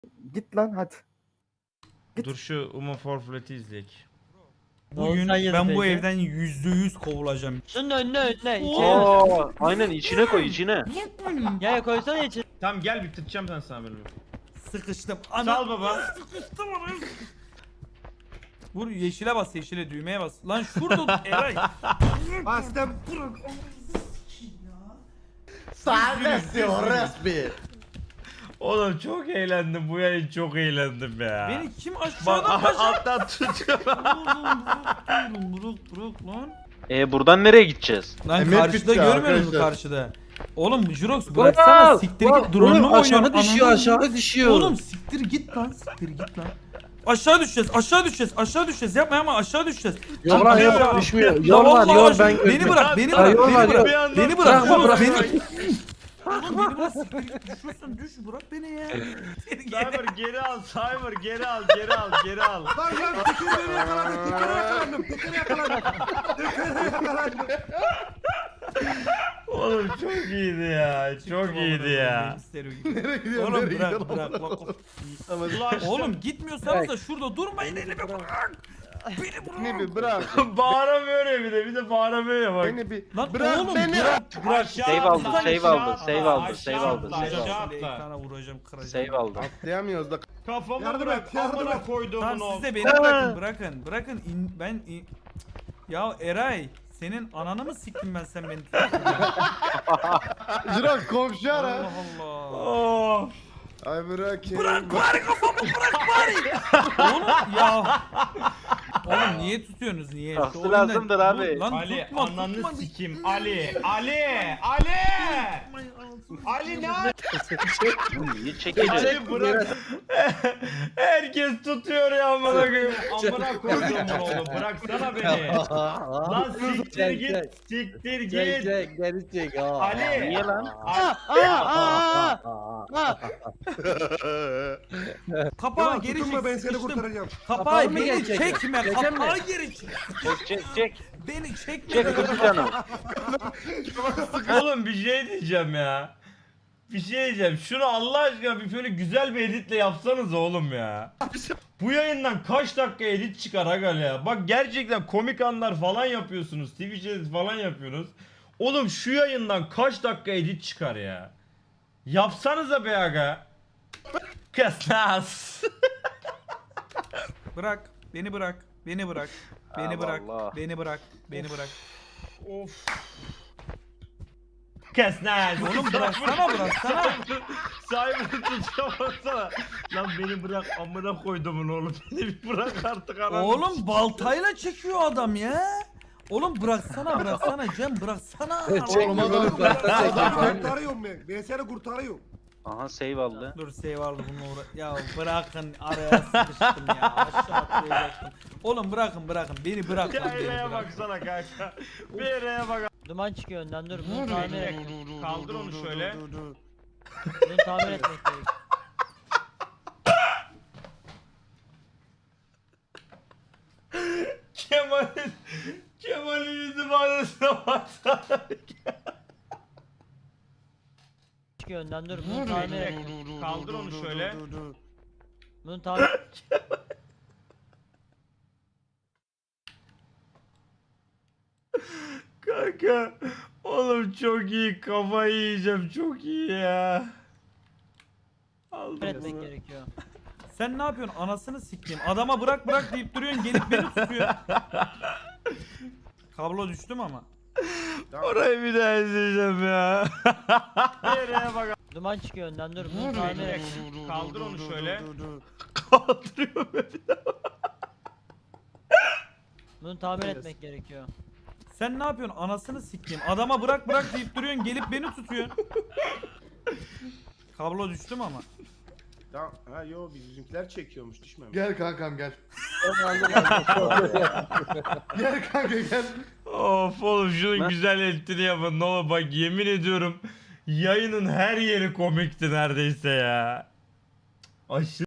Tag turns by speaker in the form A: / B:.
A: Git lan hadi.
B: Dur şu Uma Forflet'i izleyek.
C: Bugün ben bu evden %100 kovulacağım.
D: Şunun önüne içeri.
E: Aa, aynen içine koy içine.
D: Ya koysana içeri.
B: Tamam gel bitireceğim ben sana bölümü.
C: Sıkıştım.
B: Sal baba.
C: Sıkıştım oraya. Vur yeşile bas, yeşile düğmeye bas. Lan şurada Eray.
A: Bastım.
B: Oğlum çok eğlendim bu yayın çok eğlendim ya.
C: Beni kim
B: Bak
C: aşağıdan başa?
B: alttan tutuyor.
C: Bırak lan.
E: Buradan nereye gideceğiz?
C: Lan
A: Emir
C: karşıda
A: bitti
C: görmüyor musun
A: arkadaşlar.
C: karşıda? Oğlum Jurox bıraksana siktir git drone'unu mu oynuyorsun?
F: aşağı düşüyor.
C: Oğlum siktir git lan, siktir git lan. Aşağı düşeceğiz, aşağı düşeceğiz, aşağı düşeceğiz. Yapma ama aşağı düşeceğiz.
F: Yol var
C: Aşağı-
F: yok düşmüyor.
C: Ya
F: Yol var
C: vallahi
F: yol
C: aşağı-
F: ben
C: Beni bırak, beni
F: Ha,
C: bırak,
F: yol
C: beni
F: var,
C: bırak.
F: yol.
C: Beni bırak,
F: Bırakma,
C: Jurox,
F: bırakma.
C: beni. Oğlum beni bırak, siktir git. Düşüyorsun, düş, bırak beni ya. Seni geri-
B: Cyber geri al Cyber geri al geri al geri al.
A: Lan tekeri yakalandım. Tekeri yakalandım.
B: Oğlum çok iyiydi ya çok iyiydi ya.
A: Nereye gidiyorsun?
C: Oğlum
A: Nereye
C: bırak,
A: gidiyorsun?
C: bırak. Bak.
B: Ulaştım.
C: Oğlum gitmiyorsanız da şurada durmayın, elimi bırak. Beni bırak.
A: Beni bir bırak.
B: Bağıramıyor ya bir de bağıramıyor ya bak.
A: Beni bir
C: Lan
A: bırak
C: oğlum
A: beni.
C: bırak.
E: Save aldı, save aldı, save aldı, save aldı, save
B: Aşağı
E: aldı.
B: atla.
C: Ekrana vuracağım, kıracağım.
E: Save aldı.
A: Atlayamıyoruz da.
B: Kafamı
A: Yardım
B: bırak
A: et, yardım
B: amına
A: et.
B: koyduğumun
C: Tamam
B: o.
C: siz de beni bırakın, bırakın. Bırakın, Ya Eray, senin ananı mı siktin ben sen beni
A: Jirak komşu ara.
C: Allah Allah.
B: Oh.
A: Ay bırak ya.
C: Bırak bari kafamı, bırak bari. Oğlum ya. Oğlum niye tutuyorsunuz, niye? Şu
E: Tahsil
C: oyunda-
E: lazımdır abi.
C: Lan
B: Ali
C: tutma,
B: ananı
C: tutma.
B: sikim Ali Ali ne
E: Niye çekeceğiz?
B: Ali bırak. Herkes tutuyor ya amına koyayım. Amına koyduğumun oğlu bıraksana beni. Lan siktir git. Siktir git.
F: Geri çek.
B: Ali.
E: Niye lan?
C: Kapağı
A: Tamam
C: geri
A: tutunma
C: çek,
A: ben seni
C: sıkıştım.
A: kurtaracağım.
C: Kapağı
F: mı
C: beni
F: gelecek?
C: çekme,
F: Çekemem.
C: kapağı geri çek.
E: Çek.
C: Beni çekme.
E: Çek kutu canım.
B: Oğlum bir şey diyeceğim ya. Bir şey diyeceğim. Şunu Allah aşkına bir böyle güzel bir editle yapsanız oğlum ya. Bu yayından kaç dakika edit çıkar aga ya. Bak gerçekten komik anlar falan yapıyorsunuz. Twitch edit falan yapıyorsunuz. Oğlum şu yayından kaç dakika edit çıkar ya. Yapsanıza be aga. Kısnas.
C: Bırak, beni bırak, beni bırak, beni
E: Allah
C: bırak,
E: Allah.
C: beni bırak, beni bırak.
B: Of. Kısnas.
C: Oğlum bıraksana, bıraksana.
B: Sahibini tutamazsana. Lan beni bırak amına koydumun oğlum. Beni bir bırak artık anam.
C: Oğlum baltayla çekiyor adam ya. Oğlum bıraksana Cem, bıraksana.
F: Çek
A: Oğlum
F: oğlum,
A: adamı
F: bıraksana çek.
A: kurtarıyorum ben. Ben seni kurtarıyorum.
E: Aha save aldı.
C: Dur save aldı bununla Ya bırakın, araya sıkıştım ya. Aşağı atlayacaktım. Oğlum bırakın, beni bırak lan, beni
B: Kayraya
C: bırak.
B: baksana kanka. Bir yere bak.
D: Duman çıkıyor önden dur. Bunu tamir et.
B: Kaldır onu şöyle.
D: Bunu tamir etmek gerek.
B: Kemal'in yüzü ifadesine baksana.
D: Çıkıyor önden dur. Bunu tamir et.
B: Kaldır onu şöyle.
D: Bunu tamir
B: Kanka. Oğlum çok iyi kafayı yiyeceğim çok iyi ya. Aldım.
D: etmek gerekiyor.
C: Sen ne yapıyorsun? Anasını sikeyim. Adama bırak deyip duruyorsun, gelip beni tutuyor. Kablo düştü mü ama?
B: Orayı bir daha izleyeceğim ya. Bir yere bak.
D: Duman çıkıyor önden dur. Bunu tamir et.
B: Kaldır onu şöyle. Kaldırıyor beni.
D: Bunu tamir etmek gerekiyor.
C: Sen ne yapıyorsun? Anasını sikeyim. Adama bırak deyip duruyorsun, gelip beni tutuyor. Kablo düştü mü ama?
A: Tamam. Ha yo bizimkiler çekiyormuş düşmemiş.
G: Gel kankam gel. Gel kanka gel.
B: Of oğlum şunun güzel eltini yapın ne olur bak yemin ediyorum yayının her yeri komikti neredeyse ya. Aşırı